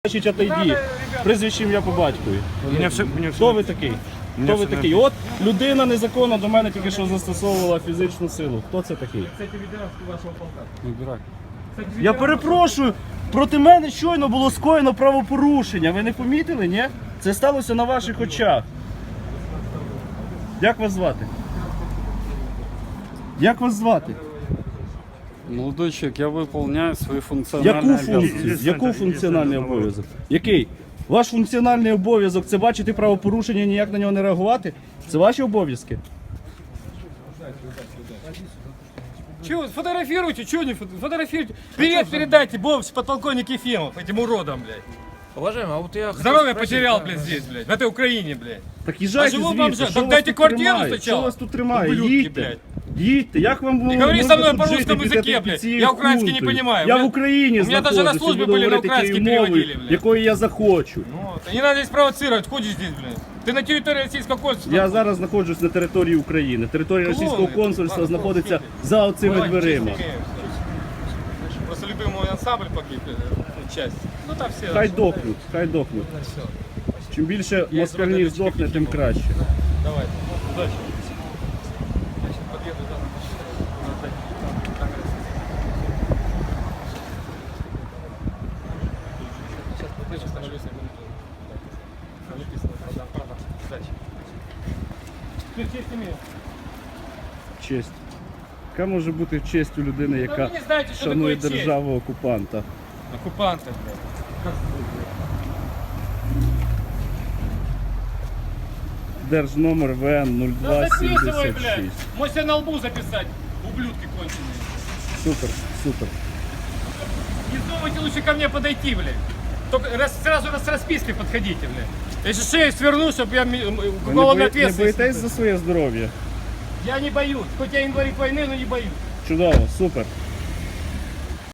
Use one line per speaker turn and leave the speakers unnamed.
Значить, отойди. Прізвище ім'я по батькові. Хто ви такий? Хто ви такий? От людина незаконно до мене тільки що застосовувала фізичну силу. Хто це такий? Я перепрошую, проти мене щойно було скоєно правопорушення. Ви не помітили, ні? Це сталося на ваших очах. Як вас звати? Як вас звати?
Молодой человек, я выполняю свои функциональные
Яку функцію? Яку функціональний обов'язок? Який? Ваш функціональний обов'язок – це бачити правопорушення і ніяк на нього не реагувати? Це ваші обов'язки?
Чего, фотографируйте, чего не фотографируйте? Привет передайте, подполковник Ефимов, этим уродам, блядь.
Уважаемый, а вот я...
Здоровье потерял, блядь, здесь, блядь, в этой Украине, блядь.
Так їжджайте
живу
звідси,
бомжа.
що
Так
вас
дайте
тут
квартиру
тримає?
спочатку.
Що вас тут тримає?
Ублюдки,
Їдьте.
блядь.
Їдьте, як вам
Ты говори со мной по
жити
русскому
під
языке,
під
блядь.
цією
Я украинский не
хунтою?
понимаю.
Я
блядь.
в Україні
У меня даже на
знаходжусь,
службе
буду
были на
говорити
украинский
тією мовою,
переводили, блядь.
якою я захочу.
Вот. Не надо здесь провоцировать, ходишь здесь, блядь. Ты на территории российского консульства.
Я зараз знаходжусь на території України. Територія
Клоуни.
російського консульства
Ладно,
знаходиться
клоуни.
за оцими
Давай,
дверима.
честь имею. Просто любимый мой ансамбль погиб, часть. Ну там все.
Хай дохнуть, хай дохнуть. Чим більше москальнів здохне, тим краще.
Давай, удачи. Подъеду, да. Сейчас становлюсь на минуту. Написано, правда. Удачи. Честь имею.
Честь. Яка може бути честь у людини, яка
ви не знаєте, що
шанує
таке честь.
державу окупанта?
Оккупанты, блядь.
Держномер ВН
Да записывай,
0276.
блядь. Можешь себе на лбу записать, ублюдки конченые.
Супер, супер.
Не думайте лучше ко мне подойти, блядь. Только сразу с распиской подходите, блядь. Если шею сверну, чтобы я
Ви
уголовной
не
ответственности.
боїтесь за своє здоров'я?
Я не боюсь. Хоть я инвалид войны, но не боюсь.
Чудово, супер.